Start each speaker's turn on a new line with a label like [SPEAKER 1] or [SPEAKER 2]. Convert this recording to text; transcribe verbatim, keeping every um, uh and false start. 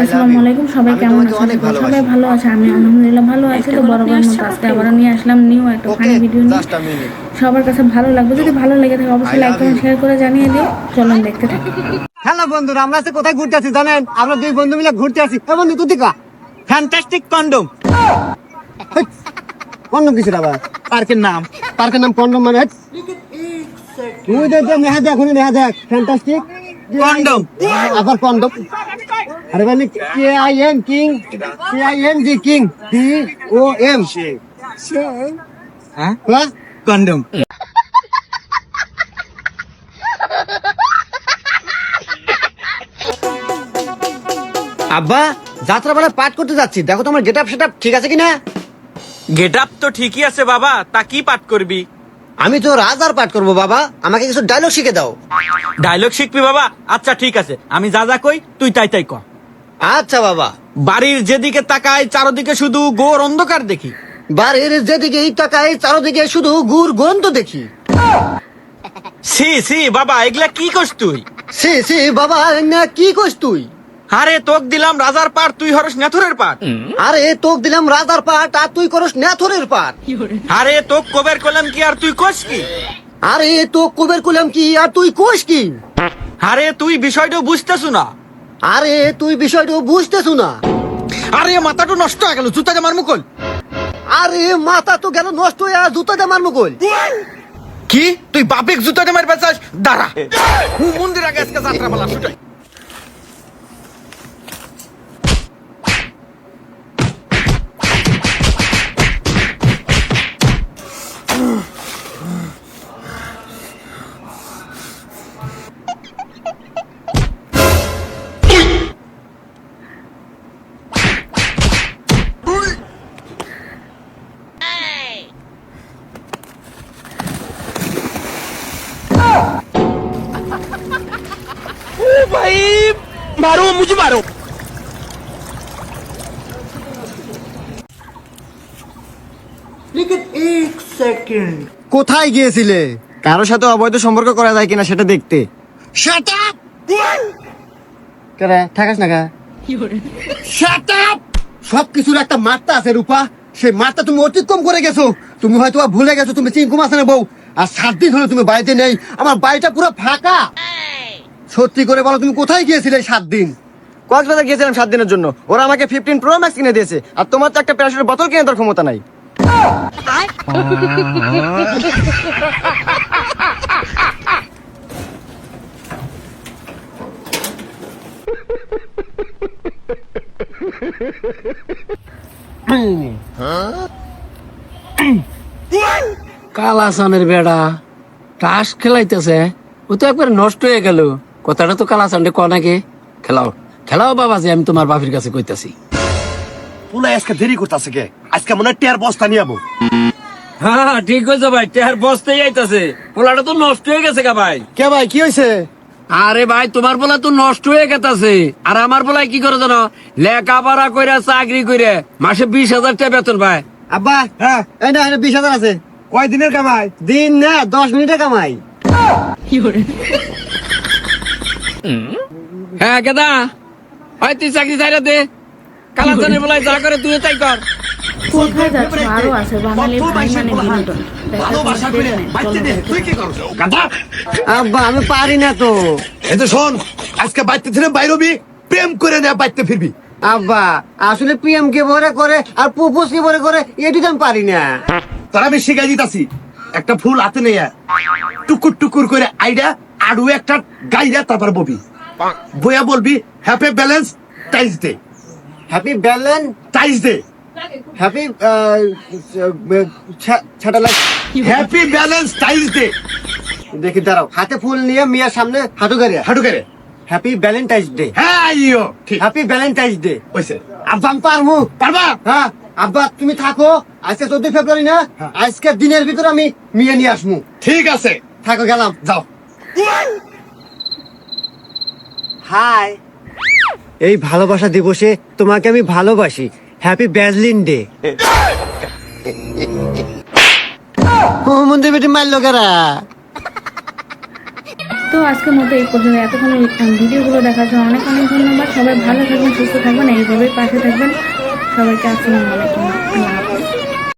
[SPEAKER 1] আসসালামু আলাইকুম। সবাই কেমন আছেন? সবাই ভালো আছে, আমি আলহামদুলিল্লাহ ভালো আছি। তো বরাবর মতো আজকে আবার নিয়ে আসলাম নিউ একটা ফানি ভিডিও নিয়ে। সবার কাছে ভালো লাগবে, যদি ভালো লেগে থাকে অবশ্যই লাইক কমেন্ট শেয়ার করে জানিয়ে দিও। চলুন দেখতে থাকি।
[SPEAKER 2] হ্যালো বন্ধুরা, আমরা আজকে কোথায় ঘুরতে আছি জানেন? আমরা দুই বন্ধু মিলে ঘুরতে আছি। এ বন্ধু তুই কা ফ্যান্টাস্টিক কন্ডম। কন্ডম কিসের আবার? পার্কের নাম। পার্কের নাম কন্ডম মানে তুই দেখ নেহা দেখ নেহা দেখ ফ্যান্টাস্টিক কন্ডম আবার কন্ডম। আরে মানে K I N king, K I N G king, D O M হ্যাঁ কন্ডম। আব্বা যাত্রা বেলা পাঠ করতে যাচ্ছি, দেখো তোমার গেট আপ সেটআপ ঠিক আছে কিনা?
[SPEAKER 3] গেট আপ তো ঠিকই আছে বাবা, তা কি পাঠ করবি?
[SPEAKER 2] আমি তো রাজার পাঠ করবো বাবা, আমাকে কিছু ডায়লগ শিখে দাও।
[SPEAKER 3] ডায়লগ শিখবি বাবা? আচ্ছা ঠিক আছে, আমি যা যা কই তুই তাই তাই ক।
[SPEAKER 2] আচ্ছা বাবা।
[SPEAKER 3] বাড়ির যেদিকে তাকাই চারদিকে শুধু ঘোর অন্ধকার দেখি।
[SPEAKER 2] বাড়ির যেদিকে তাকাই চারদিকে শুধু গুড় গন্ধ দেখি।
[SPEAKER 3] সি সি বাবা, এগুলা কি করছ তুই?
[SPEAKER 2] সে সে বাবা না কি কইস তুই?
[SPEAKER 3] আরে তোক দিলাম রাজার পাঠ, তুই হরস নেথুরের পাঠ।
[SPEAKER 2] আরে তোক দিলাম রাজার পাঠ আর তুই করস নেথরের পাঠ।
[SPEAKER 3] আরে তোক কবের কলাম কি আর তুই কোস কি?
[SPEAKER 2] আরে তো কুবের কুলাম কি আর তুই কোস কি?
[SPEAKER 3] আরে তুই বিষয়টা বুঝতেছু না।
[SPEAKER 2] আরে তুই বিষয়টা বুঝতেছু না।
[SPEAKER 3] আরে মাথাটা নষ্ট হয়ে গেল, জুতা জামার মুকল।
[SPEAKER 2] আরে মাথা তো গেল নষ্ট হয়ে আর জুতা দিয়ে মারমু কই?
[SPEAKER 3] কি তুই বাপেক জুতা জামার বেচাস? দাঁড়া, মন্দির আগে আজকে যাত্রা পালা ছুটাই। भाई मारो मुझे मारो।
[SPEAKER 2] কোথায় গিয়েছিলে? কারোর সাথে অবৈধ সম্পর্ক করা যায় কিনা সেটা দেখতে। Shut up! কেরে ঠাকাস না কা? Shut up! সবকিছুর একটা মাত্রা আছে রূপা, সেই মাত্রা তুমি অতিক্রম করে গেছো। তুমি হয়তো বা ভুলে গেছো তুমি চিঙ্কু মাসের বউ, আর সাত দিন হলো তুমি বাড়িতে নেই। আমার বাড়িটা পুরো ফাঁকা। সত্যি করে বলো তুমি কোথায় গিয়েছিলে সাত দিন? কক্সবাজার গিয়েছিলাম সাত দিনের জন্য। ওরা আমাকে ফিফটিন প্রো ম্যাক্স কিনে দিয়েছে, আর তোমার তো একটা প্যারাশুটের বোতল কিনে দেওয়ার ক্ষমতা নাই।
[SPEAKER 4] কালাসানের বেড়া টাস খেলাইতেছে, ও তো একবার নষ্ট হয়ে গেল। কথাটা তো কালাসানডে ক নাকি? খেলাও খেলাও বাবা, যে আমি তোমার বাপের কাছে কইতাছি।
[SPEAKER 5] পুলা আজকে দেরি করতেছে কে? আজকে মনে হয় টেয়ার বস্তা নিয়ে যাবো।
[SPEAKER 4] হ্যাঁ ঠিক হয়েছে ভাই, টেহার বসতেই আইতাছে। পোলাটা তো নষ্ট হয়ে গেছে গা ভাই।
[SPEAKER 2] কে ভাই কি হয়েছে?
[SPEAKER 4] আরে ভাই তোমার পোলা তো নষ্ট হয়ে গেছে, আর আমার পোলায় কি করে জানো? লেখাপড়া কইরা চাকরি করে মাসে বিশ হাজার টাকা বেতন ভাই।
[SPEAKER 2] আব্বা হ্যাঁ এই না বিশ হাজার আছে।
[SPEAKER 5] কয় দিনের কামাই?
[SPEAKER 2] দিন না দশ মিনিটে কামাই।
[SPEAKER 4] হ্যাঁ কেদা হয় তুই চাকরি চাইরা দে, কালাচানের পোলায় যা করে তুই তাই কর।
[SPEAKER 1] কোথায় যাচ্ছ? আরো আছে বাঙালি ভাই মানে বিনোদন।
[SPEAKER 5] ভালোবাসা করে বাইতে দে, তুই কি করছ? গাধা!
[SPEAKER 2] আব্বা আমি পারি না তো।
[SPEAKER 5] এই তো শোন, আজকে বাইতে থেকে বাইরবি, প্রেম করে না বাইতে ফিরবি।
[SPEAKER 2] আব্বা আসলে পিএম কে ভরে করে আর প্রপোজ কে ভরে করে এটি তো আমি পারি না।
[SPEAKER 5] তারা আমি শিখাই দিতাছি। একটা ফুল হাতে নিয়ে টুকুর টুকুর করে আইডা আড়ু একটা গাইরা তারপর ববি বইয়া বলবি হ্যাপি ব্যালেন্স টাইজ দে।
[SPEAKER 2] হ্যাপি ব্যালেন্স
[SPEAKER 5] টাইজ দে
[SPEAKER 2] happy satellite.
[SPEAKER 5] Happy balance ties দে।
[SPEAKER 2] দেখি দাঁড়াও, হাতে ফুল নিয়ে মিয়ার সামনে হাঁটু গাড়ি
[SPEAKER 5] হাঁটু করে
[SPEAKER 2] হ্যাপি ভ্যালেন্টাইন্স ডে।
[SPEAKER 5] হ্যাঁ আইও ঠিক
[SPEAKER 2] হ্যাপি ভ্যালেন্টাইন্স ডে।
[SPEAKER 5] হইছে।
[SPEAKER 2] আব্বা আমি পারবো।
[SPEAKER 5] পারবা?
[SPEAKER 2] হ্যাঁ আব্বা তুমি থাকো, আজকে চোদ্দই ফেব্রুয়ারি না, আজকে দিনের ভিতর আমি মিয়া নিয়ে আসবো।
[SPEAKER 5] ঠিক আছে
[SPEAKER 2] থাকো গেলাম।
[SPEAKER 5] যাও।
[SPEAKER 2] হাই, এই ভালোবাসা দিবসে তোমাকে আমি ভালোবাসি। Happy ব্যাজলিন day. ও মন্দির বেটি মারলো কারা?
[SPEAKER 1] তো আজকের মতো এই পর্যন্ত এতক্ষণ ভিডিওগুলো দেখার জন্য অনেক অনেক ধন্যবাদ। সবাই ভালো থাকবেন, সুস্থ থাকবেন, এইভাবেই পাশে থাকবেন। সবাইকে আসসালামু আলাইকুম, আল্লাহ হাফেজ।